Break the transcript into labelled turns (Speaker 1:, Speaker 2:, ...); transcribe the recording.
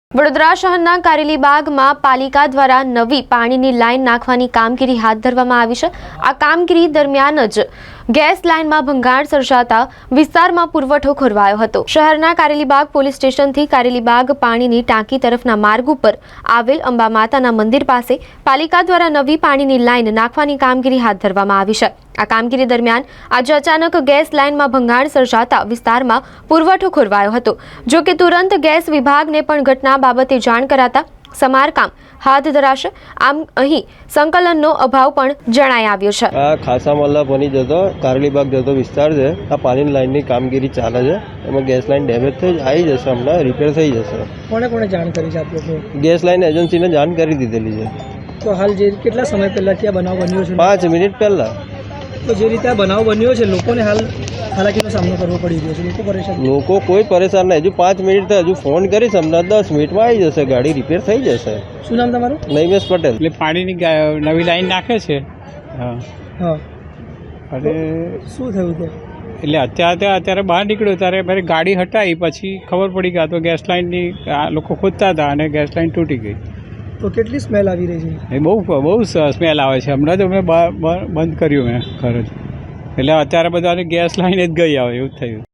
Speaker 1: વડોદરા શહેરના કારેલીબાગમાં પાલિકા દ્વારા નવી પાણીની લાઇન નાખવાની કામગીરી હાથ ધરવામાં આવી છે। આ કામગીરી દરમિયાન જ ગેસ લાઇનમાં ભંગાણ સર્જાતા વિસ્તારમાં પુરવઠો ખોરવાયો હતો। શહેરના કારેલીબાગ પોલીસ સ્ટેશનથી કારેલીબાગ પાણીની ટાંકી તરફના માર્ગ ઉપર આવેલ અંબા માતાના મંદિર પાસે પાલિકા દ્વારા નવી પાણીની લાઇન નાખવાની કામગીરી હાથ ધરવામાં આવી છે। આ કામગીરી દરમિયાન આજે અચાનક ગેસ લાઇનમાં ભંગાણ સર્જાતા વિસ્તારમાં પુરવઠો ખોરવાયો હતો। જો કે તુરંત ગેસ વિભાગને પણ ઘટના બાબતે જાણ કરાતા સમારકામ હાથ ધરાશે। આમ અહીં સંકલનનો અભાવ પણ જણાઈ આવ્યો છે।
Speaker 2: આ ખાસા મલ્લા બની જતો કારેલીબાગ જતો વિસ્તાર છે। આ પાણીની લાઇનની કામગીરી ચાલે છે। એમાં ગેસ લાઇન ડેમેજ થઈ આવી જશે, હમણાં રિપેર થઈ જશે।
Speaker 3: કોને જાણ કરી છે આપ લોકો?
Speaker 2: ગેસ લાઇન એજન્સીને જાણ કરી દીધેલી છે।
Speaker 3: તો હાલ જે કેટલા સમય પહેલા ત્યાં બનાવ બન્યો છે?
Speaker 2: 5 મિનિટ પહેલા।
Speaker 3: તો જે રીતે આ બનાવ બન્યો છે લોકોને હાલ હાલાકીનો સામનો કરવો પડી રહ્યો છે, લોકો પરેશાન?
Speaker 2: લોકો કોઈ પરેશાન નહીં। હજુ 5 મિનિટ થાય, હજુ ફોન કરીશ, હમણાં 10 મિનિટમાં આવી જશે, ગાડી રિપેર થઈ જશે।
Speaker 3: શું નામ તમારું?
Speaker 2: નૈમેશ પટેલ।
Speaker 4: એટલે પાણીની નવી લાઈન નાખે છે।
Speaker 3: હા,
Speaker 4: અને
Speaker 3: શું થયું ત્યાં?
Speaker 4: એટલે અત્યારે બહાર નીકળ્યો ત્યારે મારી ગાડી હટાવી, પછી ખબર પડી કે આ તો ગેસ લાઇનની લોકો ખોદતા હતા અને ગેસ લાઇન તૂટી ગઈ।
Speaker 3: તો કેટલી સ્મેલ આવી રહી છે?
Speaker 4: એ બહુ સ્મેલ આવે છે। હમણાં તો મેં બંધ કર્યું મેં ઘર જ, એટલે અત્યારે બધાને ગેસ લાઇન જ ગઈ આવે એવું થયું।